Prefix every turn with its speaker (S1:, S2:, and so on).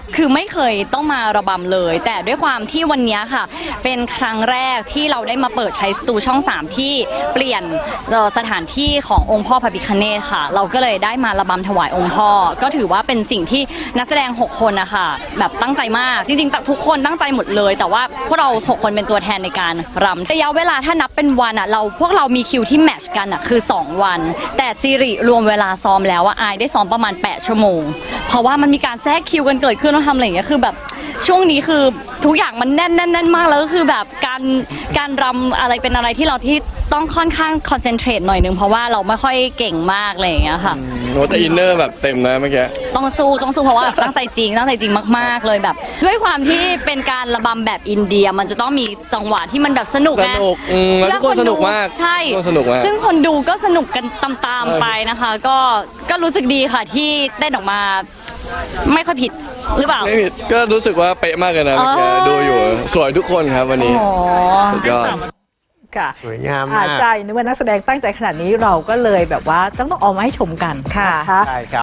S1: คือไม่เคยต้องมาระบำเลย แต่ด้วยความที่วันนี้ค่ะเป็นครั้งแรกที่เราได้มาเปิดใช้สตูช่อง 3 ที่เปลี่ยนสถานที่ขององค์พ่อพระพิฆเนศค่ะเราก็เลยได้มาระบำถวายองค์พ่อก็ถือว่าเป็นสิ่งที่นักแสดง6คนนะคะแบบตั้งใจมากจริงๆทุกคนตั้งใจหมดเลยแต่ว่าพวกเรา6คนเป็นตัวแทนในการรำระยะเวลาถ้านับเป็นวันอ่ะพวกเรามีคิวที่แมทช์กันอ่ะคือ2 วันแต่ซีรีรวมเวลาซ้อมแล้วอายได้ซ้อมประมาณ8 ชั่วโมงเพราะว่ามันมีการแทรกคิวกันเกิดขึ้นต้องทำอะไรอย่างเงี้ยคือแบบช่วงนี้คือทุกอย่างมันแน่นมากแล้วก็คือแบบการรำอะไรเป็นอะไรที่เราที่ต้องค่อนข้างคอนเซนเทรตหน่อยนึงเพราะว่าเราไม่ค่อยเก่งมากอะไรอย่างเงี้ยค่ะ
S2: โอ้แต่อินเนอร์แบบเต็มนะเมื่อกี้
S1: ต้องสู้เพราะว่าตั้งใจจริงมากๆเลยแบบด้วยความที่เป็นการระบำแบบอินเดียมันจะต้องมีจังหวะที่มันแบบสนุกไง
S2: แล้วทุกคนสนุกมาก
S1: ใช่
S2: สนุกมาก
S1: ซึ่งคนดูก็สนุกกันตามๆไปนะคะก็รู้สึกดีค่ะที่เต้นออกมาไม่ค่อยผิดหรือเปล่า
S2: ไม่ผิดก็รู้สึกว่าเป๊ะมากเลยนะเมื่อกี้ดูอยู่สวยทุกคนครับวันนี้สุดยอด
S3: ค่ะ
S4: สวยงามมาก
S3: ใช่นึกว่านักแสดงตั้งใจขนาดนี้เราก็เลยแบบว่าต้องเอามาให้ชมกัน
S4: ค่ะใช่ครับ